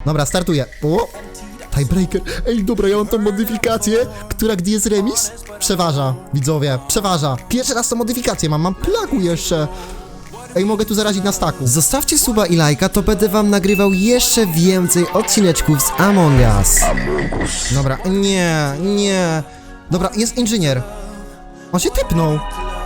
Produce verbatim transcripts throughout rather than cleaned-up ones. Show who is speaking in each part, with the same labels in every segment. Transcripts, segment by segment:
Speaker 1: Dobra, startuję. O! Tiebreaker. Ej, dobra, ja mam tą modyfikację, która gdy jest remis, przeważa, widzowie, przeważa. Pierwszy raz tą modyfikację mam, mam plagu jeszcze. Ej, mogę tu zarazić na staku. Zostawcie suba i lajka, to będę wam nagrywał jeszcze więcej odcineczków z Among Us. Dobra, nie, nie. Dobra, jest inżynier. On się tepnął.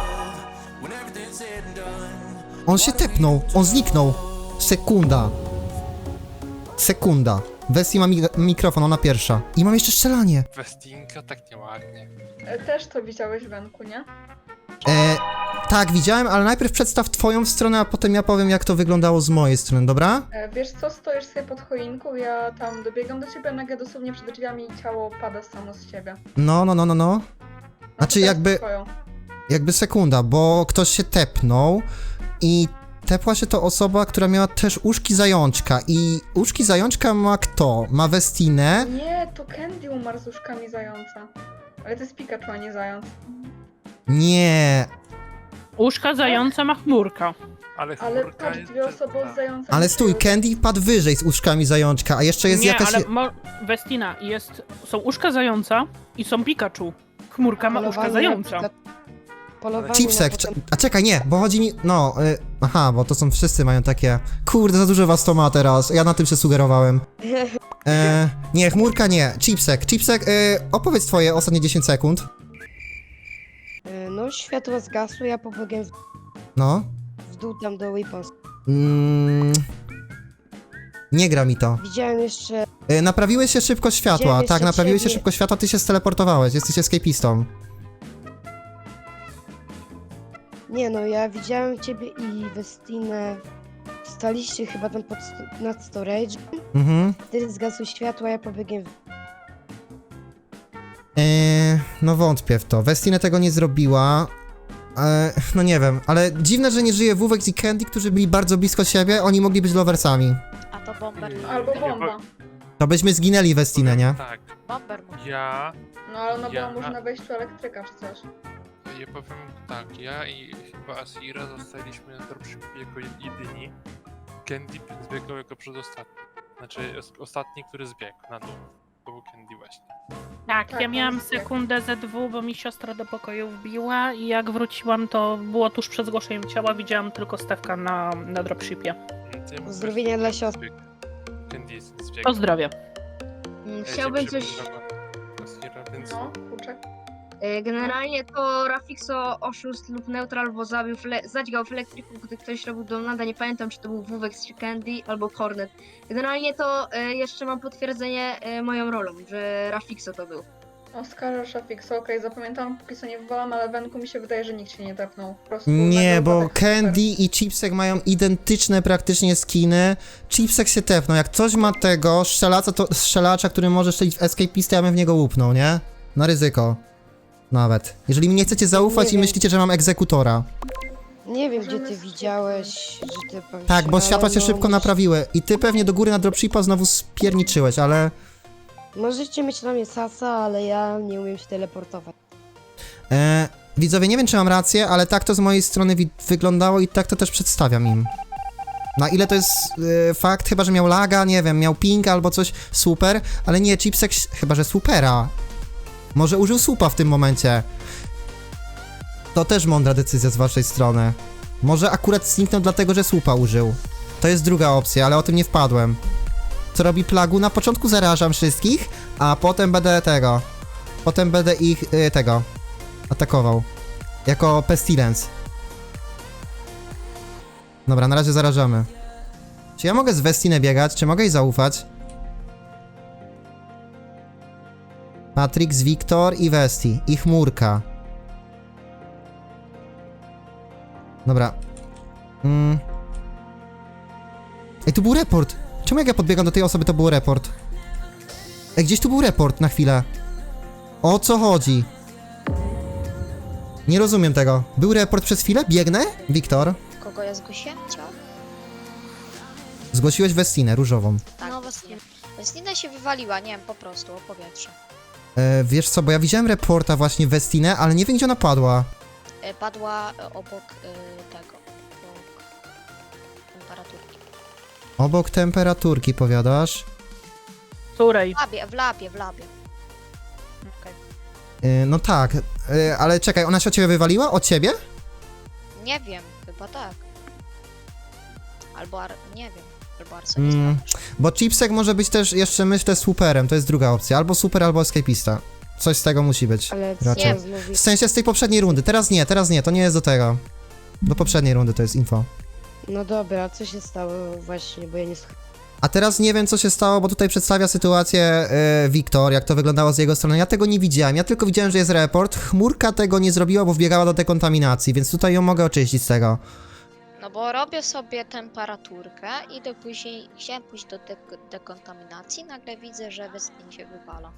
Speaker 1: On się tepnął, on zniknął. Sekunda. Sekunda. Westii ma mi mikrofon, ona pierwsza. I mam jeszcze strzelanie.
Speaker 2: Westinka tak nieładnie.
Speaker 3: E, Też to widziałeś, Wenku, nie?
Speaker 1: E, tak, widziałem, ale najpierw przedstaw twoją stronę, a potem ja powiem, jak to wyglądało z mojej strony, dobra?
Speaker 3: E, Wiesz co, stoisz sobie pod choinką, ja tam dobiegam do ciebie, nagle dosłownie przed drzwiami i ciało pada samo z ciebie.
Speaker 1: No, no, no, no, no.
Speaker 3: No
Speaker 1: Znaczy
Speaker 3: to teraz
Speaker 1: jakby,
Speaker 3: twoją.
Speaker 1: jakby sekunda, bo ktoś się tepnął i tepła się to osoba, która miała też uszki zajączka i uszki zajączka ma kto? Ma Westinę.
Speaker 3: Nie, to Candy umarł z uszkami zająca. Ale to jest Pikachu, a nie zając.
Speaker 1: Nie,
Speaker 4: Uszka zająca ma chmurka.
Speaker 2: Ale
Speaker 3: Ale
Speaker 2: chmurka
Speaker 3: patrz,
Speaker 2: jest
Speaker 3: dwie osoby
Speaker 2: brzydka.
Speaker 3: od zająca.
Speaker 1: ale
Speaker 3: nie
Speaker 1: stój,
Speaker 3: żyją.
Speaker 1: Candy padł wyżej z uszkami zajączka, a jeszcze jest
Speaker 4: Nie,
Speaker 1: jakaś...
Speaker 4: ale mo- Westina, jest, są uszka zająca i są Pikachu. Chmurka ma uszka zająca.
Speaker 5: Polowanie
Speaker 1: Chipsek,
Speaker 5: na
Speaker 1: cze- a czekaj, nie, bo chodzi mi, no, y, aha, bo to są, wszyscy mają takie, kurde, za dużo was to ma teraz, ja na tym się sugerowałem. E, nie, chmurka nie, Chipsek, Chipsek, y, opowiedz twoje ostatnie dziesięć sekund.
Speaker 5: Y, No, światło zgasło, ja pobiegłem w,
Speaker 1: No.
Speaker 5: w dół tam do Weapons.
Speaker 1: Mm, nie gra mi to.
Speaker 5: Widziałem jeszcze...
Speaker 1: Y, naprawiłeś się szybko światła,
Speaker 5: Widziałem
Speaker 1: tak,
Speaker 5: jeszcze
Speaker 1: naprawiłeś się
Speaker 5: ciebie.
Speaker 1: szybko światła, ty się steleportowałeś, jesteś escapistą.
Speaker 5: Nie no, ja widziałem ciebie i Westinę. Staliście chyba tam pod, sto- nad storage.
Speaker 1: Mhm.
Speaker 5: Wtedy zgasły światła, ja pobiegłem w...
Speaker 1: Eee, no wątpię w to. Westinę tego nie zrobiła. Eee, no nie wiem, ale dziwne, że nie żyje Wówek i Candy, którzy byli bardzo blisko siebie, oni mogli być loversami.
Speaker 6: A to bomber.
Speaker 3: Albo
Speaker 2: Nie,
Speaker 3: bomba.
Speaker 1: To byśmy zginęli Westinę, nie?
Speaker 2: Tak,
Speaker 6: Bomber mówi.
Speaker 2: ja,
Speaker 3: No ale ona
Speaker 2: Ja-
Speaker 3: była może na wejściu elektryka czy coś.
Speaker 2: ja powiem tak, ja i chyba Asira zostaliśmy na dropshipie jako jedyni. Candy zbiegał jako przedostatni. Znaczy os- ostatni, który zbiegł na dół. To był Candy właśnie.
Speaker 4: Tak,
Speaker 3: Tak,
Speaker 4: ja
Speaker 3: on
Speaker 4: miałam
Speaker 3: jest
Speaker 4: sekundę ze dwu, bo mi siostra do pokoju wbiła i jak wróciłam, to było tuż przed zgłoszeniem ciała, widziałam tylko Stefka na, na dropshipie.
Speaker 2: Mm, to ja
Speaker 5: Pozdrowienia
Speaker 2: właśnie
Speaker 5: dla siostry.
Speaker 2: zbiegł. Candy zbiegł.
Speaker 4: Pozdrowie.
Speaker 7: Mm,
Speaker 2: Ja się
Speaker 7: Chciałbym coś.
Speaker 2: przypomniałem Asira, więc
Speaker 3: No, kurczak.
Speaker 7: e, Generalnie to Rafixo oszust lub neutral, bo zabił fle- zadźgał w elektryku, gdy ktoś robił donada. Nie pamiętam, czy to był Wówek czy Candy albo Hornet. Generalnie to e, jeszcze mam potwierdzenie e, moją rolą, że Rafixo to był.
Speaker 3: Oscar Shafix, okej, zapamiętam, póki co nie wywalam, ale Wenku mi się wydaje, że nikt się nie tepnął. Po prostu
Speaker 1: Nie,
Speaker 3: nagle
Speaker 1: bo
Speaker 3: upadek super.
Speaker 1: Candy i Chipsek mają identyczne praktycznie skiny. Chipsek się tepnął, jak ktoś ma tego strzelacza, to strzelacza, który może strzelić w escapistę, ja bym w niego łupnął, nie? Na ryzyko. Nawet. Jeżeli mi nie chcecie zaufać
Speaker 5: Nie
Speaker 1: i
Speaker 5: wiem.
Speaker 1: myślicie, że mam egzekutora.
Speaker 5: Nie wiem, gdzie ty
Speaker 3: Możemy
Speaker 5: widziałeś, że ty... powiesz,
Speaker 1: Tak, bo
Speaker 5: ale
Speaker 1: światła się
Speaker 5: no,
Speaker 1: szybko
Speaker 5: mus-
Speaker 1: naprawiły. I ty pewnie do góry na dropshipa znowu spierniczyłeś, ale...
Speaker 5: Możecie mieć na mnie sasa, ale ja nie umiem się teleportować.
Speaker 1: E, widzowie, nie wiem, czy mam rację, ale tak to z mojej strony wi- wyglądało i tak to też przedstawiam im. Na ile to jest e, fakt, chyba, że miał laga, nie wiem, miał ping albo coś, super, ale nie, Chipsek, chyba, że supera. Może użył supa w tym momencie. To też mądra decyzja z waszej strony. Może akurat zniknął dlatego, że słupa użył. To jest druga opcja, ale o tym nie wpadłem. Co robi Plagu? Na początku zarażam wszystkich, a potem będę tego... Potem będę ich, y, tego, atakował. Jako Pestilence. Dobra, na razie zarażamy. Czy ja mogę z Westinę biegać? Czy mogę jej zaufać? Matrix, Wiktor i Westi. I Chmurka. Dobra. Mm. Ej, tu był report. Czemu jak ja podbiegam do tej osoby, to był report? Ej, gdzieś tu był report na chwilę. O co chodzi? Nie rozumiem tego. Był report przez chwilę? Biegnę? Wiktor?
Speaker 6: Kogo ja zgłosiłem? Ciało?
Speaker 1: Zgłosiłeś Westinę, różową.
Speaker 6: Tak. No właśnie. Westina się wywaliła, nie wiem, po prostu o powietrze.
Speaker 1: E, wiesz co, bo ja widziałem reporta właśnie Westinę, ale nie wiem, gdzie ona padła.
Speaker 6: E, Padła e, obok e, tego. Obok temperaturki.
Speaker 1: Obok temperaturki, powiadasz?
Speaker 4: której?
Speaker 6: W labie, w labie, w labie.
Speaker 4: Okej.
Speaker 1: Yy, no tak, yy, ale czekaj, ona się od ciebie wywaliła? Od ciebie?
Speaker 6: Nie wiem, chyba tak. Albo ar... nie wiem. Albo Arson jest
Speaker 1: Mm,
Speaker 6: lepszy.
Speaker 1: bo Chipsek może być też jeszcze, myślę, superem, to jest druga opcja. Albo super, albo escapista. Coś z tego musi być.
Speaker 5: Ale
Speaker 1: Raczej.
Speaker 5: co znowu...
Speaker 1: W sensie z tej poprzedniej rundy. Teraz nie, teraz nie, to nie jest do tego. Do poprzedniej rundy to jest info.
Speaker 5: No dobra, co się stało właśnie, bo ja nie słucham.
Speaker 1: A teraz nie wiem, co się stało, bo tutaj przedstawia sytuację yy, Wiktor, jak to wyglądało z jego strony. Ja tego nie widziałem, ja tylko widziałem, że jest report. Chmurka tego nie zrobiła, bo wbiegała do dekontaminacji, więc tutaj ją mogę oczyścić z tego.
Speaker 6: No bo robię sobie temperaturkę, idę później, chciałem pójść do dek- dekontaminacji, nagle widzę, że Westin się wywala.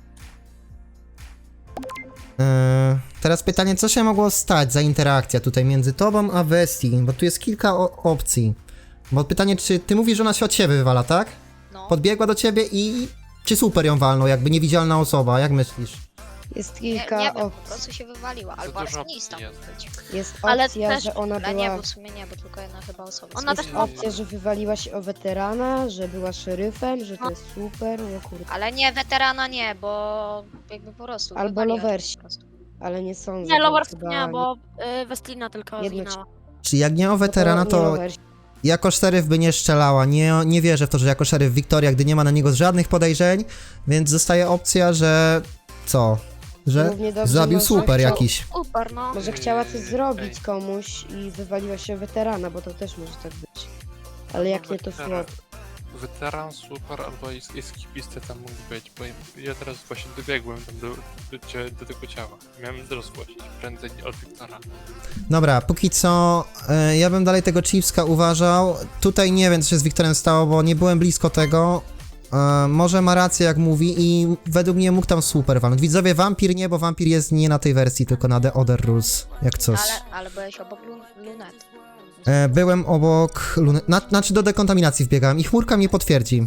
Speaker 1: Yy, teraz pytanie, co się mogło stać za interakcja tutaj między tobą a Westi, bo tu jest kilka o- opcji. Bo pytanie, czy ty mówisz, że ona się od ciebie wywala, tak?
Speaker 6: No,
Speaker 1: Podbiegła do ciebie i... Czy super ją walnął, jakby niewidzialna osoba, jak myślisz?
Speaker 5: Jest
Speaker 6: nie,
Speaker 5: kilka
Speaker 6: nie wiem, po
Speaker 5: opcji.
Speaker 6: prostu się wywaliła, albo
Speaker 2: dużo
Speaker 6: Arsonista
Speaker 2: opcji
Speaker 6: mógł być.
Speaker 5: Jest
Speaker 8: Ale
Speaker 5: opcja,
Speaker 8: też-
Speaker 5: że ona
Speaker 6: Ale nie,
Speaker 5: była...
Speaker 6: bo w sumie nie, bo tylko jedna chyba osoba.
Speaker 8: Ona
Speaker 5: Jest
Speaker 8: też-
Speaker 5: opcja, że wywaliła się o weterana, że była szeryfem, że to jest super, no kurde.
Speaker 6: Ale nie, weterana nie, bo jakby po prostu
Speaker 5: Albo
Speaker 6: wywaliła się
Speaker 5: lowersi.
Speaker 6: po prostu.
Speaker 5: Ale nie sądzę.
Speaker 8: Nie,
Speaker 5: bo
Speaker 8: Lovers
Speaker 5: chyba
Speaker 8: nie, bo y, Westlina tylko
Speaker 5: Jedno
Speaker 8: zginęła.
Speaker 1: Czy jak nie o
Speaker 5: No
Speaker 1: weterana,
Speaker 5: nie
Speaker 1: to
Speaker 5: lowersi.
Speaker 1: jako szeryf by nie strzelała. Nie, nie wierzę w to, że jako szeryf Wiktoria, gdy nie ma na niego żadnych podejrzeń, więc zostaje opcja, że... Co? Że
Speaker 5: Równie dobrze
Speaker 1: zabił
Speaker 5: może
Speaker 1: super
Speaker 5: chciał-
Speaker 1: jakiś.
Speaker 8: Super, no.
Speaker 5: Może chciała coś
Speaker 2: Ej,
Speaker 5: zrobić
Speaker 2: ej.
Speaker 5: komuś i wywaliła się o weterana, bo to też może tak być. Ale jak nie to
Speaker 2: Weteran-
Speaker 5: flop.
Speaker 2: Weteran, super, albo es- eskipista tam mógł być, bo ja teraz właśnie dobiegłem tam do, do, cie- do tego ciała. Miałem rozgłosić prędzej od Wiktora.
Speaker 1: Dobra, póki co e, ja bym dalej tego Chiefska uważał. Tutaj nie wiem, co się z Wiktorem stało, bo nie byłem blisko tego. E, może ma rację, jak mówi i według mnie mógł tam super walnąć. Widzowie, wampir nie, bo wampir jest nie na tej wersji, tylko na The Other Rules, jak coś.
Speaker 6: Ale, ale byłeś obok lun- lunet.
Speaker 1: E, byłem obok Luny... Na, znaczy do dekontaminacji wbiegałem i chmurka mnie potwierdzi.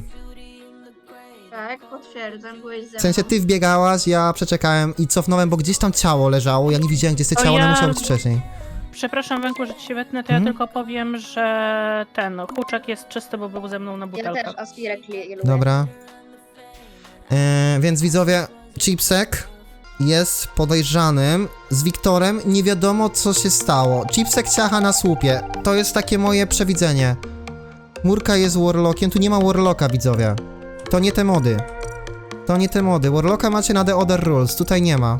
Speaker 3: Tak, potwierdzam, byłeś ze mną.
Speaker 1: W sensie ty wbiegałaś, ja przeczekałem i cofnąłem, bo gdzieś tam ciało leżało, ja nie widziałem, gdzie jest to
Speaker 4: To
Speaker 1: ciało, ono
Speaker 4: ja-
Speaker 1: musiało być wcześniej.
Speaker 4: Przepraszam, Węku, że ci się wetnę, to ja
Speaker 1: Mhm.
Speaker 4: tylko powiem, że ten huczek jest czysty, bo był ze mną na
Speaker 7: Ja
Speaker 4: butelkach.
Speaker 7: też aspirek je- je lubię.
Speaker 1: Dobra. E, więc widzowie, Chipsek jest podejrzanym. Z Wiktorem nie wiadomo, co się stało. Chipsek ciacha na słupie. To jest takie moje przewidzenie. Murka jest Warlockiem. Tu nie ma Warlocka, widzowie. To nie te mody. To nie te mody. Warlocka macie na The Other Rules. Tutaj nie ma.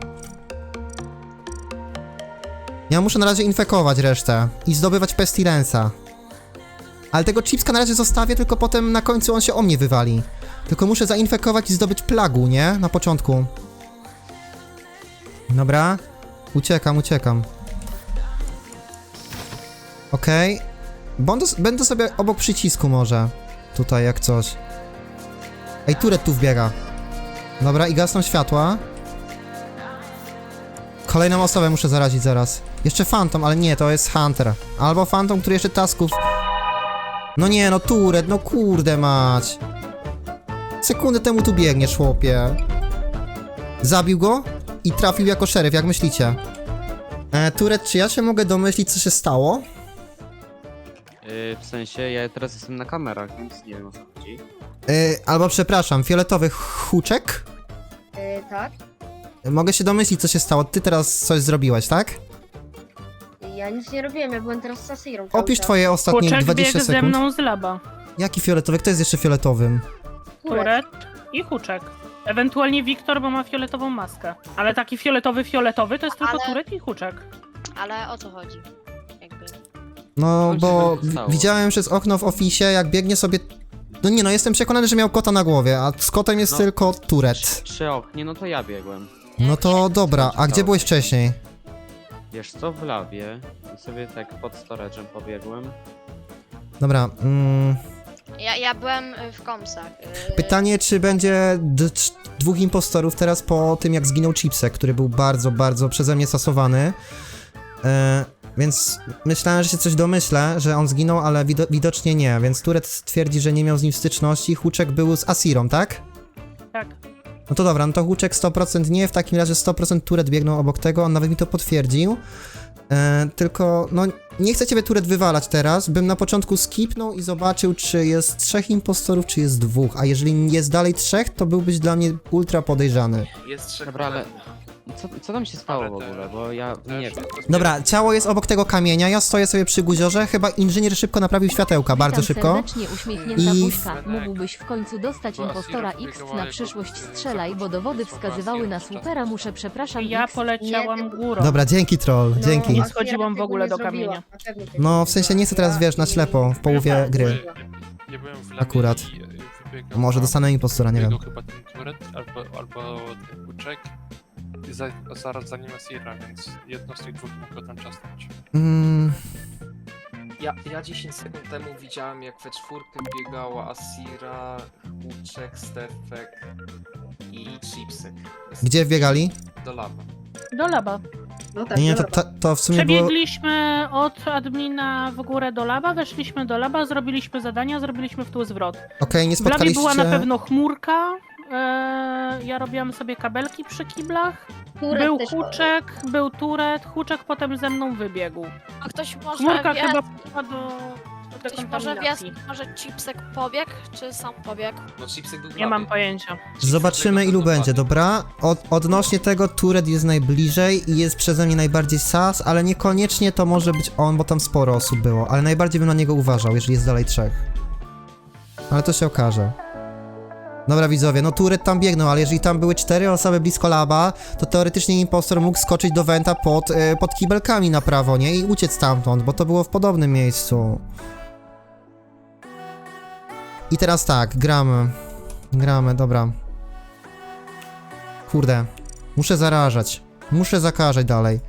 Speaker 1: Ja muszę na razie infekować resztę i zdobywać Pestilensa. Ale tego Chipska na razie zostawię, tylko potem na końcu on się o mnie wywali. Tylko muszę zainfekować i zdobyć plagu, nie? Na początku. Dobra. Uciekam, uciekam. Okej. Będę, będę sobie obok przycisku może. Tutaj jak coś. Ej, Turet tu wbiega. Dobra, i gasną światła. Kolejną osobę muszę zarazić zaraz. Jeszcze Phantom, ale nie, to jest Hunter. Albo Phantom, który jeszcze tasków... No nie, no Turet, no kurde mać. Sekundę temu tu biegniesz, chłopie. Zabił go i trafił jako szeryf, jak myślicie? E, Turet, czy ja się mogę domyślić, co się stało?
Speaker 9: Yy, w sensie, ja teraz jestem na kamerach, więc nie wiem o co chodzi.
Speaker 1: E, albo przepraszam, fioletowy huczek?
Speaker 7: Yy, tak.
Speaker 1: Mogę się domyślić, co się stało. Ty teraz coś zrobiłeś, tak?
Speaker 7: Ja nic nie robiłem, ja byłem teraz z Sasirą. cały
Speaker 1: Opisz
Speaker 7: czas.
Speaker 1: twoje ostatnie
Speaker 4: Huczek
Speaker 1: dwadzieścia
Speaker 4: biegł ze
Speaker 1: sekund.
Speaker 4: mną z laba.
Speaker 1: Jaki fioletowy? Kto jest jeszcze fioletowym?
Speaker 4: Turet i huczek. Ewentualnie Wiktor, bo ma fioletową maskę. Ale taki fioletowy, fioletowy to jest tylko
Speaker 6: Ale-
Speaker 4: Turet i huczek.
Speaker 6: Ale o co chodzi? Jakby.
Speaker 1: No,
Speaker 9: Chodź,
Speaker 1: bo
Speaker 9: co się stało?
Speaker 1: wi- widziałem przez okno w ofisie, jak biegnie sobie... No nie no, jestem przekonany, że miał kota na głowie, a z kotem jest
Speaker 9: No.
Speaker 1: tylko Turet.
Speaker 9: Przy oknie, no to ja biegłem.
Speaker 1: No to dobra, a gdzie byłeś wcześniej?
Speaker 9: Wiesz co, w lawie i sobie tak pod storage'em pobiegłem.
Speaker 1: Dobra, mm,
Speaker 6: Ja, ja byłem y, w komsach. y,
Speaker 1: pytanie, czy będzie d- cz- dwóch impostorów teraz po tym, jak zginął Chipsek, który był bardzo, bardzo przeze mnie stosowany. E, więc myślałem, że się coś domyślę, że on zginął, ale wido- widocznie nie, więc Turet twierdzi, że nie miał z nim styczności. Huczek był z Asirą, tak?
Speaker 4: Tak.
Speaker 1: No to dobra, no to Huczek sto procent nie, w takim razie sto procent Turet biegnął obok tego, on nawet mi to potwierdził. E, tylko, no, nie chcę ciebie Turet wywalać teraz, bym na początku skipnął i zobaczył, czy jest trzech impostorów, czy jest dwóch, a jeżeli jest dalej trzech, to byłbyś dla mnie ultra podejrzany.
Speaker 10: Jest trzech
Speaker 9: Dobra, ale
Speaker 10: kolegów.
Speaker 9: co, co tam się stało
Speaker 2: Ale
Speaker 9: w ogóle,
Speaker 2: też-
Speaker 9: bo ja
Speaker 2: Też
Speaker 9: nie wiem.
Speaker 2: to jest
Speaker 1: Dobra, ciało jest obok tego kamienia, ja stoję sobie przy guziorze, chyba inżynier szybko naprawił światełka, bardzo
Speaker 11: Witam
Speaker 1: szybko.
Speaker 11: serdecznie uśmiechnięta
Speaker 1: I-
Speaker 11: buźka. Mógłbyś w końcu dostać
Speaker 2: Bo
Speaker 11: impostora
Speaker 2: Asira
Speaker 11: X
Speaker 2: wybiegała
Speaker 11: na
Speaker 2: jako,
Speaker 11: przyszłość
Speaker 2: y,
Speaker 11: strzelaj, bo dowody
Speaker 2: zabójstwo
Speaker 11: wskazywały na
Speaker 2: Asira podczas
Speaker 11: supera.
Speaker 2: tego.
Speaker 11: Muszę przepraszam
Speaker 4: Ja
Speaker 11: X.
Speaker 4: poleciałam
Speaker 3: Nie,
Speaker 4: górą.
Speaker 1: Dobra, dzięki troll,
Speaker 3: No,
Speaker 1: dzięki.
Speaker 4: Nie
Speaker 3: Asira
Speaker 4: schodziłam w
Speaker 3: tego
Speaker 4: ogóle
Speaker 3: nie
Speaker 4: do
Speaker 3: zrobiła,
Speaker 4: kamienia.
Speaker 3: na pewno tego
Speaker 1: No,
Speaker 3: nie
Speaker 1: w sensie nie chcę teraz,
Speaker 3: zrobiła
Speaker 1: wiesz, na
Speaker 3: i-
Speaker 1: ślepo, w połowie
Speaker 3: Tak,
Speaker 1: gry.
Speaker 3: zrobiła.
Speaker 2: Ja byłem w lamie
Speaker 1: Akurat.
Speaker 2: i, y, wybiegał
Speaker 1: A może
Speaker 2: na-
Speaker 1: dostanę impostora, nie wiem.
Speaker 2: wybiegał chyba ten Turet albo, albo ten Kuczek i za, zaraz za nim Asira, więc jedno z tych dwóch mogło tam czasnąć.
Speaker 1: Mm,
Speaker 10: Ja, ja dziesięć sekund temu widziałem, jak we czwórkę biegała Asira, Huczek, Stefek i Chipsy.
Speaker 1: gdzie wbiegali?
Speaker 10: Do laba.
Speaker 4: Do laba.
Speaker 3: No tak,
Speaker 1: Nie, nie, to,
Speaker 3: dobra.
Speaker 1: to, to w sumie było...
Speaker 4: Przebiegliśmy od admina w górę do laba, weszliśmy do laba, zrobiliśmy zadania, zrobiliśmy w tył zwrot.
Speaker 1: Okej, nie
Speaker 4: W labie
Speaker 1: spotkaliście...
Speaker 4: była na pewno chmurka, e, ja robiłam sobie kabelki przy kiblach,
Speaker 3: Turet
Speaker 4: był
Speaker 3: też-
Speaker 4: Huczek, był Turet, Huczek potem ze mną wybiegł.
Speaker 8: A ktoś może
Speaker 4: Chmurka
Speaker 8: wie,
Speaker 4: chyba poszła do, do
Speaker 8: ktoś może wie,
Speaker 4: dekontaminacji.
Speaker 8: może Chipsek pobiegł, czy sam pobiegł?
Speaker 10: No Chipsek był w
Speaker 4: Nie
Speaker 10: labie.
Speaker 4: mam pojęcia.
Speaker 1: Zobaczymy ilu będzie, dobra? Od, odnośnie tego Turet jest najbliżej i jest przeze mnie najbardziej sas, ale niekoniecznie to może być on, bo tam sporo osób było, ale najbardziej bym na niego uważał, jeżeli jest dalej trzech. Ale to się okaże. Dobra widzowie, no Turet tam biegnął, ale jeżeli tam były cztery osoby blisko laba, to teoretycznie impostor mógł skoczyć do Wenta pod, e, pod kibelkami na prawo, nie? I uciec stamtąd, bo to było w podobnym miejscu. I teraz tak, gramy. Gramy, dobra. Kurde. Muszę zarażać. Muszę zakażać dalej.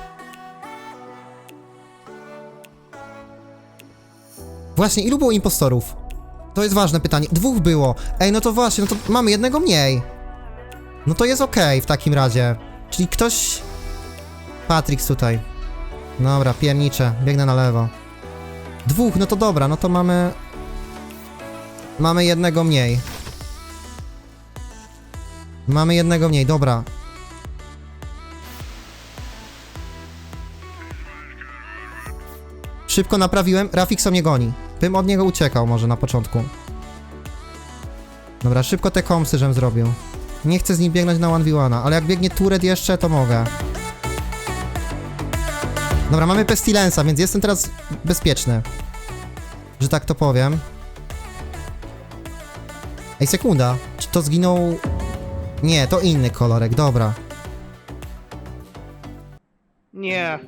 Speaker 1: Właśnie, ilu było impostorów? To jest ważne pytanie. Dwóch było. Ej, no to właśnie, no to mamy jednego mniej. No to jest okej w takim razie. Czyli ktoś... Patrix tutaj. Dobra, pierniczę. Biegnę na lewo. Dwóch, no to dobra, no to mamy... Mamy jednego mniej. Mamy jednego mniej, dobra. Szybko naprawiłem, Rafixo mnie goni. Bym od niego uciekał może na początku. Dobra, szybko te komsy żem zrobił. Nie chcę z nim biegnąć na jeden w jeden, ale jak biegnie Turet jeszcze, to mogę. Dobra, mamy Pestilensa, więc jestem teraz bezpieczny. Że tak to powiem. Ej, sekunda. Czy to zginął... Nie, to inny kolorek, dobra.
Speaker 12: Nie,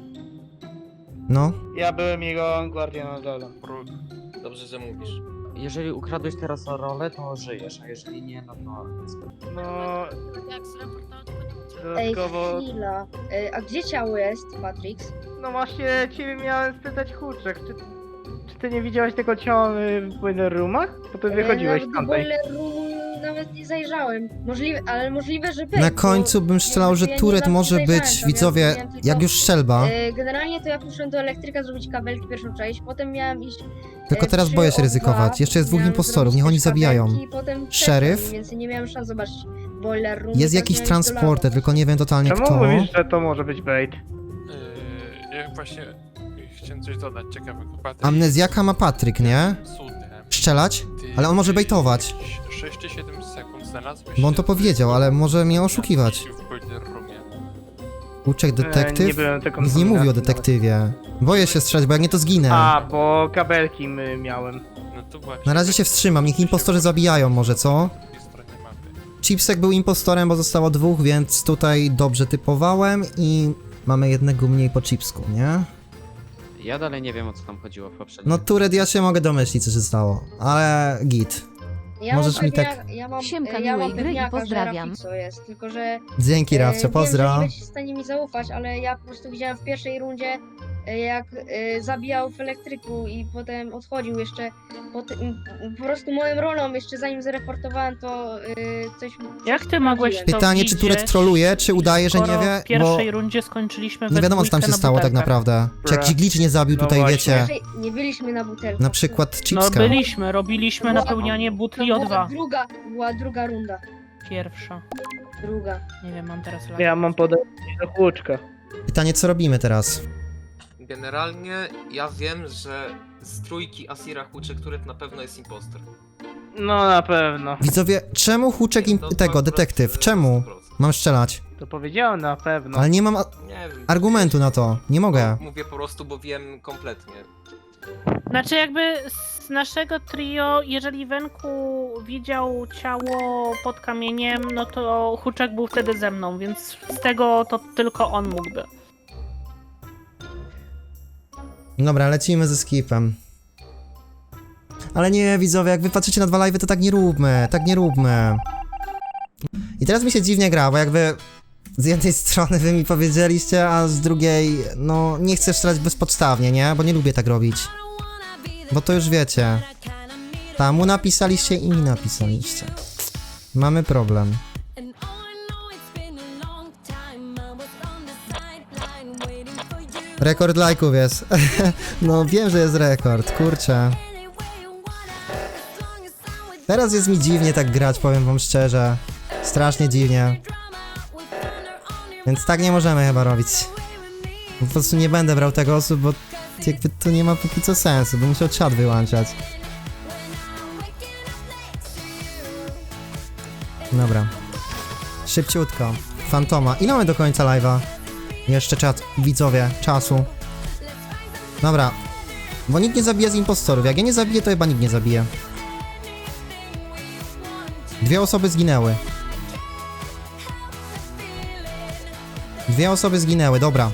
Speaker 1: No.
Speaker 12: ja byłem jego guardian na dole.
Speaker 2: Próg.
Speaker 10: Dobrze, że mówisz.
Speaker 9: Jeżeli ukradłeś teraz rolę, to żyjesz, a jeżeli nie, no to...
Speaker 12: No,
Speaker 8: Jak z reportażu to nie
Speaker 3: Ej,
Speaker 12: dodatkowo...
Speaker 3: chwila. Ej, a gdzie ciało jest, Patrix?
Speaker 12: No właśnie, ciebie miałem spytać Huczek, czy, czy ty nie widziałeś tego ciała w boiler roomach? Bo ty wychodziłeś
Speaker 3: Ja nawet do
Speaker 12: tamtej.
Speaker 3: boiler roomu nawet nie zajrzałem. Możliwe, ale możliwe, że był.
Speaker 1: Na
Speaker 3: bo
Speaker 1: końcu bym strzelał, że
Speaker 3: ja nie
Speaker 1: Turet
Speaker 3: zawsze
Speaker 1: może
Speaker 3: zajrzałem
Speaker 1: być,
Speaker 3: tam, ja
Speaker 1: widzowie,
Speaker 3: widziałem tylko-
Speaker 1: jak już strzelba.
Speaker 3: E, Generalnie to ja poszedłem do elektryka zrobić kabelki pierwszą część, potem miałem iść...
Speaker 1: Tylko
Speaker 3: e,
Speaker 1: teraz
Speaker 3: przy
Speaker 1: boję się
Speaker 3: O dwa,
Speaker 1: ryzykować. Jeszcze jest dwóch
Speaker 3: miałem
Speaker 1: impostorów,
Speaker 3: zrobić
Speaker 1: niech oni
Speaker 3: też
Speaker 1: zabijają.
Speaker 3: kabelki, potem trzecią,
Speaker 1: Szeryf?
Speaker 3: Więc nie miałem szans zobaczyć boiler room.
Speaker 1: Jest
Speaker 3: więc
Speaker 1: jakiś
Speaker 3: miałem iść do
Speaker 1: transporter,
Speaker 3: laba.
Speaker 1: tylko nie wiem totalnie
Speaker 12: Czemu
Speaker 1: kto.
Speaker 12: mówisz, że to może być bait?
Speaker 2: Yy, ja właśnie chciałem coś dodać ciekawego. Patryk
Speaker 1: Amnezjaka ma Patryk, nie?
Speaker 2: cudem.
Speaker 1: Strzelać?
Speaker 2: Ty
Speaker 1: Ale on może bejtować.
Speaker 2: sześć czy siedem sekund znalazłeś
Speaker 1: Bo on
Speaker 2: się
Speaker 1: to powiedział, ale może mnie
Speaker 2: na
Speaker 1: oszukiwać.
Speaker 2: w boiler roomie.
Speaker 1: Uczek
Speaker 12: E, nie
Speaker 1: detektyw?
Speaker 12: byłem tego
Speaker 1: Nic nie mówi o detektywie. Boję się strzelać, bo jak nie to zginę.
Speaker 12: A, bo kabelki my miałem.
Speaker 2: No to właśnie.
Speaker 1: Na razie się wstrzymam, niech impostorzy zabijają może, co?
Speaker 2: Po drugiej stronie mapy.
Speaker 1: Chipsek był impostorem, bo zostało dwóch, więc tutaj dobrze typowałem i mamy jednego mniej po Chipsku, nie?
Speaker 9: Ja dalej nie wiem, o co tam chodziło w poprzednim.
Speaker 1: No Turet, ja się mogę domyślić, co się stało, ale git.
Speaker 3: Ja
Speaker 1: Możesz
Speaker 3: mam
Speaker 1: mi
Speaker 3: pewniaka,
Speaker 1: tak-
Speaker 3: ja mam,
Speaker 11: Siemka,
Speaker 3: ja mam
Speaker 11: miłej gry i
Speaker 3: pewniaka,
Speaker 11: pozdrawiam.
Speaker 3: że Rafixo jest, tylko że...
Speaker 1: Dzięki,
Speaker 3: e,
Speaker 1: Rafcio,
Speaker 3: Wiem, że
Speaker 1: pozdro.
Speaker 3: nie będziecie w stanie mi zaufać, ale ja po prostu widziałem w pierwszej rundzie, e, jak e, zabijał w elektryku i potem odchodził jeszcze. Po, ty- m- m- po prostu moją rolą, jeszcze zanim zareportowałem, to e, coś...
Speaker 4: Jak
Speaker 3: coś
Speaker 4: ty mogłeś
Speaker 3: sprawdziłem.
Speaker 4: to
Speaker 1: Pytanie, czy Turet
Speaker 4: widzieć,
Speaker 1: troluje, czy udaje, że nie
Speaker 4: skoro
Speaker 1: wie,
Speaker 4: w pierwszej
Speaker 1: bo
Speaker 4: rundzie skończyliśmy
Speaker 1: nie
Speaker 4: we
Speaker 1: wiadomo, co tam
Speaker 4: dwójkę
Speaker 1: się
Speaker 4: na
Speaker 1: stało tak
Speaker 4: butelkach.
Speaker 1: naprawdę. Czy jak Giglicz nie zabił
Speaker 12: No
Speaker 1: tutaj,
Speaker 12: właśnie.
Speaker 1: wiecie,
Speaker 3: Pierwszej nie byliśmy na butelce.
Speaker 1: na przykład
Speaker 4: No
Speaker 1: Chipska.
Speaker 4: byliśmy, robiliśmy
Speaker 3: To była-
Speaker 4: napełnianie
Speaker 3: To
Speaker 4: butli o
Speaker 3: była
Speaker 4: dwa.
Speaker 3: druga, była druga runda.
Speaker 4: Pierwsza.
Speaker 3: Druga.
Speaker 4: Nie wiem, mam teraz lag.
Speaker 12: Ja mam podejście do Huczka.
Speaker 1: Pytanie, co robimy teraz?
Speaker 10: Generalnie ja wiem, że z trójki Asira Huczek, który na pewno jest impostor.
Speaker 12: No na pewno.
Speaker 1: Widzowie, czemu Huczek im...
Speaker 10: To- to
Speaker 1: tego,
Speaker 10: akurat,
Speaker 1: detektyw,
Speaker 10: e,
Speaker 1: czemu?
Speaker 10: sto procent.
Speaker 1: Mam strzelać.
Speaker 12: To powiedziałem na pewno.
Speaker 1: Ale nie mam a-
Speaker 10: Nie wiem.
Speaker 1: argumentu na to. Nie mogę.
Speaker 10: Mówię po prostu, bo wiem kompletnie.
Speaker 4: Znaczy jakby z naszego trio, jeżeli Wenku widział ciało pod kamieniem, no to Huczek był wtedy ze mną, więc z tego to tylko on mógłby.
Speaker 1: Dobra, lecimy ze skipem. Ale nie, widzowie, jak wy patrzycie na dwa live'y, to tak nie róbmy, tak nie róbmy. I teraz mi się dziwnie gra, bo jakby z jednej strony wy mi powiedzieliście, a z drugiej, no nie chcę strzelać bezpodstawnie, nie? Bo nie lubię tak robić. Bo to już wiecie. Tam mu napisaliście i mi napisaliście. Mamy problem. Rekord lajków jest. No wiem, że jest rekord, kurczę. Teraz jest mi dziwnie tak grać, powiem wam szczerze. Strasznie dziwnie. Więc tak nie możemy chyba robić. Po prostu nie będę brał tego osób, bo jakby to nie ma póki co sensu, bym musiał czat wyłączać. Dobra. Szybciutko. Fantoma. Ile mamy do końca live'a? Jeszcze czat, widzowie, czasu. Dobra. Bo nikt nie zabije z impostorów. Jak ja nie zabiję, to chyba nikt nie zabije. Dwie osoby zginęły. Dwie osoby zginęły, dobra.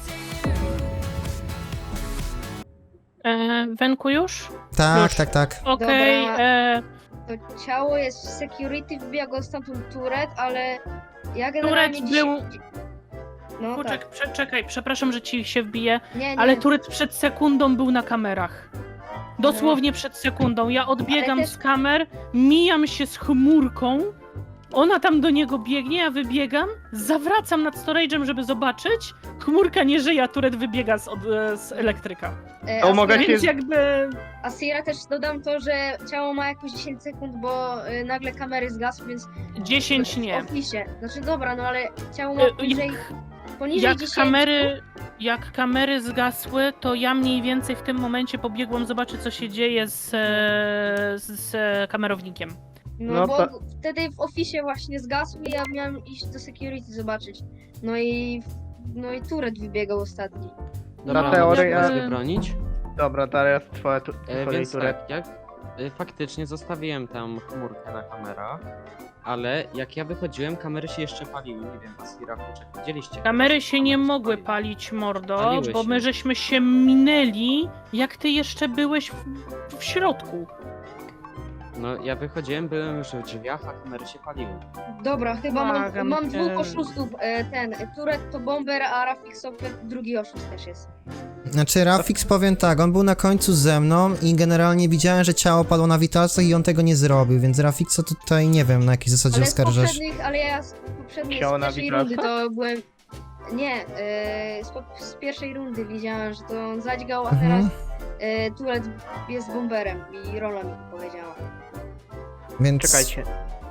Speaker 4: E, Wenku już?
Speaker 1: Tak,
Speaker 4: Już.
Speaker 1: tak, tak.
Speaker 4: Okej,
Speaker 3: Dobra.
Speaker 4: e,
Speaker 3: To ciało jest w security, wbija go stamtąd Turet, ale ja
Speaker 4: Turet
Speaker 3: generalnie dziś...
Speaker 4: był...
Speaker 3: No
Speaker 4: Huczek,
Speaker 3: tak.
Speaker 4: prze, czekaj, przepraszam, że ci się wbiję,
Speaker 3: Nie, nie.
Speaker 4: ale Turet przed sekundą był na kamerach. Dosłownie przed sekundą. Ja odbiegam
Speaker 3: Ale też-
Speaker 4: z kamer, mijam się z chmurką, ona tam do niego biegnie, ja wybiegam, zawracam nad storage'em, żeby zobaczyć, chmurka nie żyje, a Turet wybiega z, od, z elektryka.
Speaker 3: E,
Speaker 12: To mogę
Speaker 3: Asira-
Speaker 12: się-
Speaker 4: Więc jakby...
Speaker 3: Asira też dodam to, że ciało ma jakieś dziesięć sekund, bo y, nagle kamery zgasły, więc...
Speaker 4: dziesięć
Speaker 3: w
Speaker 4: nie.
Speaker 3: oficie. Znaczy dobra, no ale ciało ma
Speaker 4: E,
Speaker 3: poniżej...
Speaker 4: Jak,
Speaker 3: poniżej
Speaker 4: jak
Speaker 3: dziesięć...
Speaker 4: kamery... Jak kamery zgasły, to ja mniej więcej w tym momencie pobiegłam zobaczyć, co się dzieje z, e, z, z kamerownikiem.
Speaker 3: No,
Speaker 12: No
Speaker 3: bo
Speaker 12: to-
Speaker 3: wtedy w oficie właśnie zgasł i ja miałem iść do security zobaczyć. No i... No i Turet wybiegał ostatni.
Speaker 12: Na
Speaker 4: No,
Speaker 12: teorię
Speaker 4: jakby-
Speaker 12: ja-
Speaker 9: Mogę bronić?
Speaker 12: Dobra, teraz twoja tu,
Speaker 9: E,
Speaker 12: kolej,
Speaker 9: więc
Speaker 12: Turet.
Speaker 9: tak, jak e, faktycznie zostawiłem tam chmurkę na kamerach, ale jak ja wychodziłem, kamery się jeszcze paliły. Nie wiem, Asira, Huczek, widzieliście?
Speaker 4: Kamery się nie mogły palić, mordo,
Speaker 9: Paliły
Speaker 4: bo
Speaker 9: się.
Speaker 4: my żeśmy się minęli, jak ty jeszcze byłeś w, w środku.
Speaker 9: No, ja wychodziłem, byłem już w drzwiach, a kamery się paliły.
Speaker 3: Dobra, chyba mam,
Speaker 4: Błagam
Speaker 3: mam
Speaker 4: cię.
Speaker 3: dwóch oszustów. E, ten, Turet to bomber, a Rafik sobie drugi oszust też jest.
Speaker 1: Znaczy Rafix, powiem tak, on był na końcu ze mną i generalnie widziałem, że ciało padło na witalcach i on tego nie zrobił, więc Rafixa tutaj nie wiem na jakiej zasadzie
Speaker 3: Ale z
Speaker 1: oskarżasz.
Speaker 3: poprzednich, ale ja z poprzedniej,
Speaker 12: Ciało
Speaker 3: z
Speaker 12: na
Speaker 3: pierwszej
Speaker 12: witalcach?
Speaker 3: rundy to byłem... Nie, e, z, pop- z pierwszej rundy widziałem, że to on zadźgał, a
Speaker 1: Mhm.
Speaker 3: teraz e, Turet jest bomberem i Rola mi to powiedziała.
Speaker 1: Więc
Speaker 12: Czekajcie.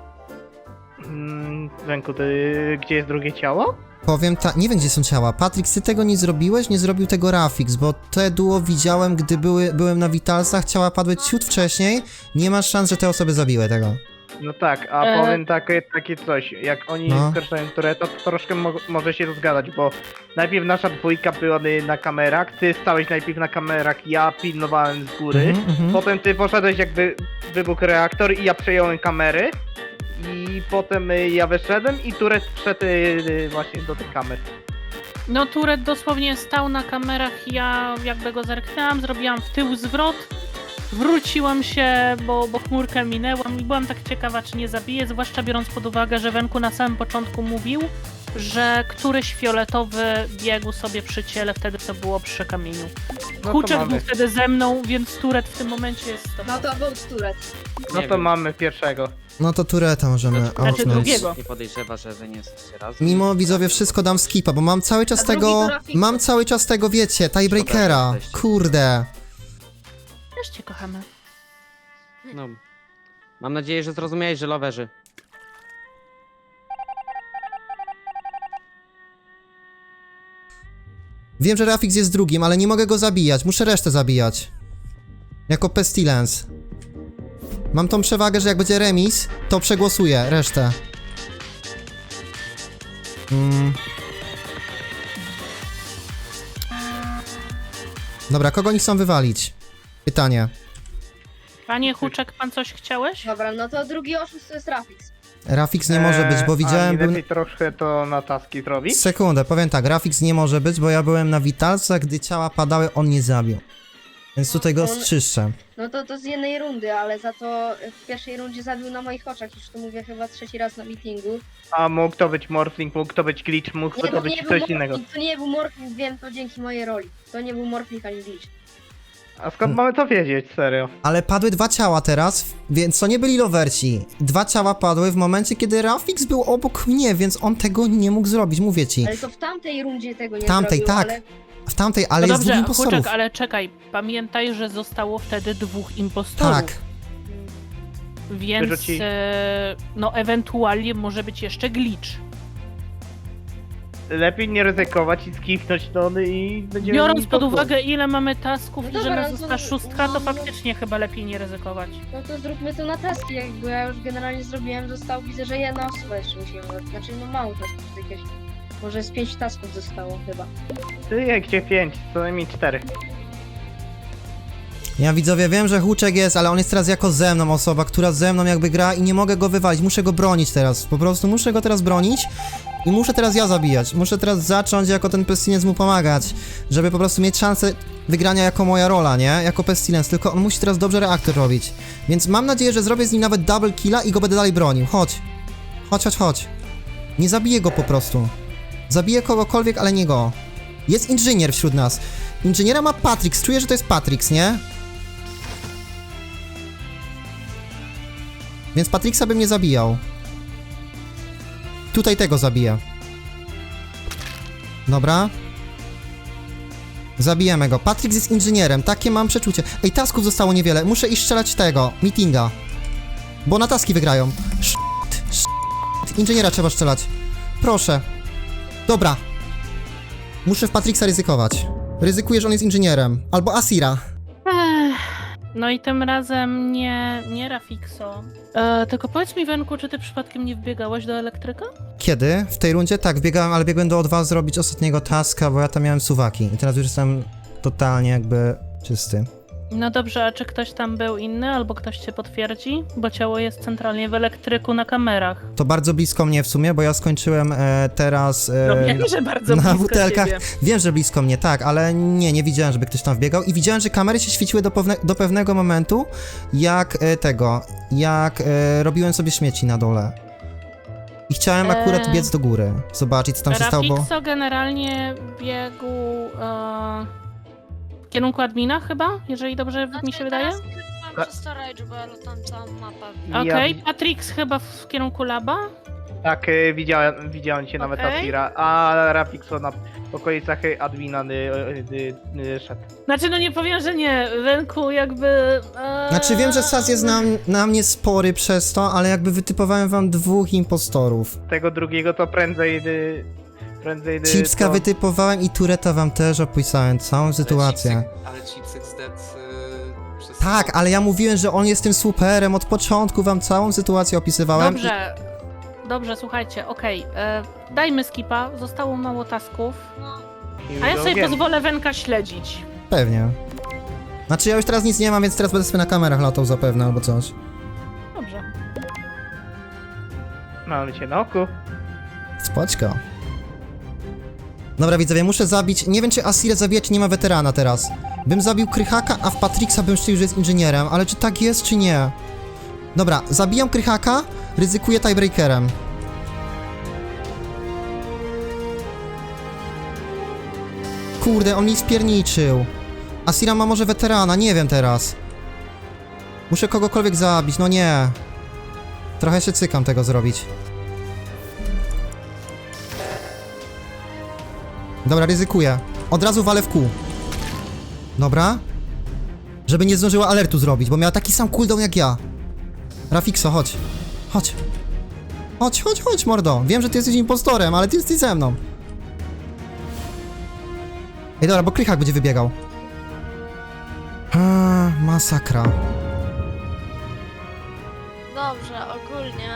Speaker 12: Mm, Wenku, ty, gdzie jest drugie ciało?
Speaker 1: powiem tak, nie wiem gdzie są ciała. Patryk, ty tego nie zrobiłeś? Nie zrobił tego Rafix, bo te duo widziałem, gdy były, byłem na witalsach, ciała padły ciut wcześniej, nie masz szans, że te osoby zabiły tego.
Speaker 12: No tak, a
Speaker 4: E.
Speaker 12: powiem takie, takie coś, jak oni
Speaker 1: No.
Speaker 12: skarżają Tureta, to troszkę mo może się rozgadać, bo najpierw nasza dwójka była na kamerach, ty stałeś najpierw na kamerach, ja pilnowałem z góry,
Speaker 1: Mhm, mhm.
Speaker 12: potem ty poszedłeś jakby wybuchł reaktor i ja przejąłem kamery i potem y, ja wyszedłem i Turet wszedł y, właśnie do tych kamer.
Speaker 4: No Turet dosłownie stał na kamerach, ja jakby go zerknęłam, zrobiłam w tył zwrot, wróciłam się, bo, bo chmurkę minęłam i byłam tak ciekawa, czy nie zabiję, zwłaszcza biorąc pod uwagę, że Wenku na samym początku mówił, że któryś fioletowy biegł sobie przy ciele, wtedy to było przy kamieniu.
Speaker 12: No to
Speaker 4: Huczek
Speaker 12: mamy,
Speaker 4: był wtedy ze mną, więc Turet w tym momencie jest to.
Speaker 3: No to był Turet.
Speaker 12: no
Speaker 9: Nie
Speaker 12: to
Speaker 9: wiem.
Speaker 12: mamy pierwszego.
Speaker 1: No to Tureta możemy
Speaker 9: Znaczy,
Speaker 1: outnąć.
Speaker 4: drugiego.
Speaker 9: Nie podejrzewa, że wy nie jesteście razem.
Speaker 1: Mimo widzowie wszystko dam skipa, bo mam cały czas
Speaker 3: A drugi
Speaker 1: tego,
Speaker 3: to Rafix.
Speaker 1: mam cały czas tego, wiecie, tiebreakera.
Speaker 9: Dobra, jesteście.
Speaker 1: Kurde.
Speaker 4: Też cię kochamy.
Speaker 9: No. Mam nadzieję, że zrozumiałeś, że loverzy.
Speaker 1: Wiem, że Rafix jest drugim, ale nie mogę go zabijać. Muszę resztę zabijać. Jako Pestilence. Mam tą przewagę, że jak będzie remis, to przegłosuję resztę. Mm. Dobra, kogo oni chcą wywalić? Pytanie.
Speaker 4: Panie Huczek, pan coś chciałeś?
Speaker 3: Dobra, no to drugi oszust to jest Rafix.
Speaker 1: Rafix nie może być, bo
Speaker 12: Eee,
Speaker 1: widziałem...
Speaker 12: A nie
Speaker 1: Był...
Speaker 12: lepiej troszkę to na taski zrobić?
Speaker 1: Sekundę, powiem tak, Rafix nie może być, bo ja byłem na witalcach, gdy ciała padały, on nie zabił. Więc tutaj go
Speaker 3: On-
Speaker 1: strzyszczę.
Speaker 3: No to to z jednej rundy, ale za to w pierwszej rundzie zabił na moich oczach, już to mówię chyba trzeci raz na meetingu.
Speaker 12: A mógł to być Morphling, mógł to być Glitch, mógł
Speaker 3: Nie,
Speaker 12: to
Speaker 3: bo
Speaker 12: być
Speaker 3: nie był
Speaker 12: coś innego.
Speaker 3: Morphling, to nie był Morphling, wiem to dzięki mojej roli. To nie był Morphling ani Glitch.
Speaker 12: A skąd mamy to wiedzieć, serio?
Speaker 1: Ale padły dwa ciała teraz, więc to nie byli lowerci. Dwa ciała padły w momencie, kiedy Rafix był obok mnie, więc on tego nie mógł zrobić, mówię ci.
Speaker 3: Ale to w tamtej rundzie tego nie
Speaker 1: W tamtej,
Speaker 3: zrobił,
Speaker 1: tak.
Speaker 3: ale...
Speaker 1: W tamtej, ale
Speaker 4: no
Speaker 1: jest dwóch
Speaker 4: dobrze,
Speaker 1: impostorów.
Speaker 4: Huczek, ale czekaj, pamiętaj, że zostało wtedy dwóch impostorów.
Speaker 1: Tak.
Speaker 4: Więc
Speaker 12: Wyrzuci-
Speaker 4: e, no ewentualnie może być jeszcze glitch.
Speaker 12: Lepiej nie ryzykować i skipnąć tony i będziemy...
Speaker 4: Biorąc
Speaker 12: mieli
Speaker 4: pod
Speaker 12: to
Speaker 4: uwagę ile mamy tasków
Speaker 3: No
Speaker 4: i
Speaker 3: dobra,
Speaker 4: że
Speaker 3: no
Speaker 4: nas
Speaker 3: to-
Speaker 4: została szóstka, to
Speaker 3: no-
Speaker 4: faktycznie chyba lepiej nie ryzykować.
Speaker 3: No to zróbmy to na taski, jakby ja już generalnie zrobiłem, zostało, widzę, że jedna osoba jeszcze musimy, znaczy no mało tasków, jakieś, może z pięć tasków zostało chyba.
Speaker 12: Ty, jak gdzie pięć, co najmniej cztery.
Speaker 1: Ja widzowie wiem, że Huczek jest, ale on jest teraz jako ze mną osoba, która ze mną jakby gra i nie mogę go wywalić, muszę go bronić teraz, po prostu muszę go teraz bronić i muszę teraz ja zabijać, muszę teraz zacząć jako ten Pestilence mu pomagać, żeby po prostu mieć szansę wygrania jako moja rola, nie? Jako Pestilence, tylko on musi teraz dobrze reaktor robić, więc mam nadzieję, że zrobię z nim nawet double killa i go będę dalej bronił, chodź, chodź, chodź, chodź, nie zabiję go po prostu, zabiję kogokolwiek, ale nie go, jest inżynier wśród nas, inżyniera ma Patrix, czuję, że to jest Patrix, nie? Więc Patrixa bym nie zabijał. Tutaj tego zabiję. Dobra. Zabijemy go. Patrix jest inżynierem, takie mam przeczucie. Ej, tasków zostało niewiele, muszę iść strzelać tego, meetinga. Bo na taski wygrają. Shit, shit. Inżyniera trzeba strzelać. Proszę. Dobra. Muszę w Patrixa ryzykować. Ryzykuję, że on jest inżynierem. Albo Asira.
Speaker 4: Ech, no i tym razem nie, nie Rafixo. E, tylko powiedz mi, Wenku, czy ty przypadkiem nie wbiegałeś do elektryka?
Speaker 1: Kiedy? W tej rundzie? Tak, biegałem, ale biegłem do O dwa zrobić ostatniego taska, bo ja tam miałem suwaki. I teraz już jestem totalnie jakby czysty.
Speaker 4: No dobrze, a czy ktoś tam był inny, albo ktoś cię potwierdzi? Bo ciało jest centralnie w elektryku na kamerach.
Speaker 1: To bardzo blisko mnie w sumie, bo ja skończyłem e, teraz e,
Speaker 4: No wiem, że bardzo
Speaker 1: na
Speaker 4: blisko
Speaker 1: butelkach.
Speaker 4: ciebie.
Speaker 1: Wiem, że blisko mnie, tak, ale nie, nie widziałem, żeby ktoś tam wbiegał i widziałem, że kamery się świeciły do, pewne, do pewnego momentu, jak e, tego, jak e, robiłem sobie śmieci na dole. I chciałem akurat
Speaker 4: Eee.
Speaker 1: biec do góry, zobaczyć, co tam się stało, bo...
Speaker 4: Rafixo generalnie biegł e, w kierunku admina chyba, jeżeli dobrze mi się wydaje.
Speaker 8: Teraz byłam przy storage, bo ja tam całą mapę.
Speaker 4: Okej,
Speaker 12: Ja-
Speaker 4: Patrix chyba w kierunku laba.
Speaker 12: Tak, y, widziałem, widziałem cię nawet
Speaker 4: Okej.
Speaker 12: Asira, a Rafixo na okolicach y, admina y, y, y, y, szedł.
Speaker 4: Znaczy, no nie powiem, że nie. Wenku jakby... E,
Speaker 1: Znaczy wiem, że Sas jest na, na mnie spory przez to, ale jakby wytypowałem wam dwóch impostorów.
Speaker 12: Tego drugiego to prędzej... Y, prędzej y,
Speaker 1: Chipska
Speaker 12: to...
Speaker 1: wytypowałem i Tureta wam też opisałem całą sytuację.
Speaker 10: Ale Chipsek zdedł y, przez...
Speaker 1: Tak, ale ja mówiłem, że on jest tym superem, od początku wam całą sytuację opisywałem.
Speaker 4: Dobrze, dobrze, słuchajcie, okej. e, Dajmy skipa, zostało mało tasków.
Speaker 8: No,
Speaker 12: i
Speaker 4: A ja sobie
Speaker 12: wiem.
Speaker 4: pozwolę Wenka śledzić.
Speaker 1: Pewnie. Znaczy ja już teraz nic nie mam, więc teraz będę sobie na kamerach latał zapewne albo coś.
Speaker 4: Dobrze.
Speaker 12: Mamy cię na oku.
Speaker 1: Spoczko. Dobra widzowie, muszę zabić, nie wiem czy Asirę zabiję, czy nie ma weterana teraz. Bym zabił Krychaka, a w Patrixa bym szczelił, że jest inżynierem, ale czy tak jest, czy nie? Dobra, zabijam Krychaka, ryzykuję tiebreakerem. Kurde, on mi spierniczył. Asira ma może weterana, nie wiem teraz. Muszę kogokolwiek zabić, no nie. Trochę się cykam tego zrobić. Dobra, ryzykuję. Od razu walę w kół. Dobra. Żeby nie zdążyła alertu zrobić, bo miała taki sam cooldown jak ja. Rafixo, chodź. Chodź. Chodź, chodź, chodź, mordo. Wiem, że ty jesteś impostorem, ale ty jesteś ze mną. Ej, dobra, bo Krychak będzie wybiegał. Eee, masakra.
Speaker 8: Dobrze, ogólnie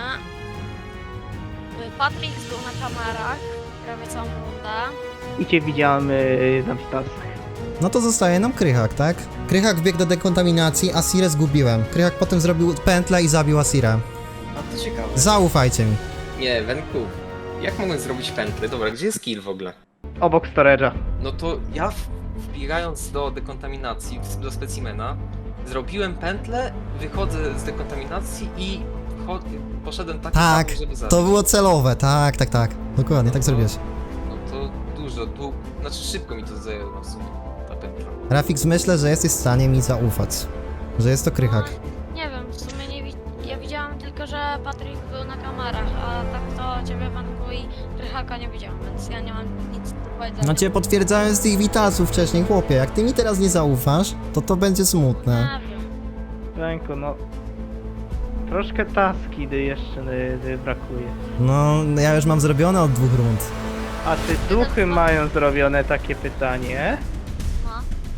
Speaker 8: y, Patrick był na kamerach prawie całą rundę.
Speaker 12: I cię widziałem y, na witalsach.
Speaker 1: No to zostaje nam Krychak, tak? Krychak wbiegł do dekontaminacji, Asirę zgubiłem. Krychak potem zrobił pętlę i zabił Asirę.
Speaker 10: A to ciekawe.
Speaker 1: Zaufajcie mi.
Speaker 10: Nie, Wenku. Jak mogłem zrobić pętlę? Dobra, gdzie jest kill w ogóle?
Speaker 12: Obok storage'a.
Speaker 10: No to ja w- wbierając do dekontaminacji, w- do specimena, zrobiłem pętlę, wychodzę z dekontaminacji i cho- poszedłem tak
Speaker 1: Tak,
Speaker 10: samo, żeby zabić.
Speaker 1: to było celowe, tak, tak, tak. Dokładnie, tak
Speaker 10: No to-
Speaker 1: zrobiłeś.
Speaker 10: No to dużo, tu, znaczy szybko mi to zajęło w sumie, ta pętla.
Speaker 1: Rafix, myślę, że jesteś w stanie mi zaufać. Że jest to Krychak.
Speaker 8: Nie wiem, w sumie nie wi- ja widziałem tylko, że Patrick był na kamerach, a tak to ciebie, Wanku i Krychaka nie widziałem, więc ja nie mam nic do powiedzenia.
Speaker 1: No cię potwierdzałem z tych witalców wcześniej, chłopie. Jak ty mi teraz nie zaufasz, to to będzie smutne.
Speaker 8: Nie wiem.
Speaker 12: Ręku, no... Troszkę taski y, jeszcze y, y, brakuje.
Speaker 1: No, ja już mam zrobione od dwóch rund.
Speaker 12: A czy duchy mają zrobione takie pytanie?
Speaker 8: No.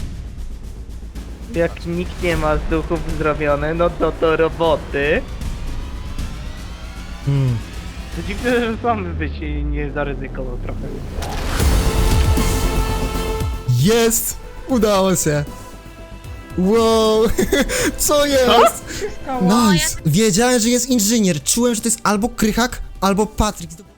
Speaker 12: Jak nikt nie ma z duchów zrobione, no to to roboty.
Speaker 1: Hmm.
Speaker 12: To dziwne, że sam byś nie zaryzykował trochę.
Speaker 1: Jest! Udało się! Wow! Co jest? Nice! Wiedziałem, że jest inżynier. Czułem, że to jest albo Krychak, albo Patryk.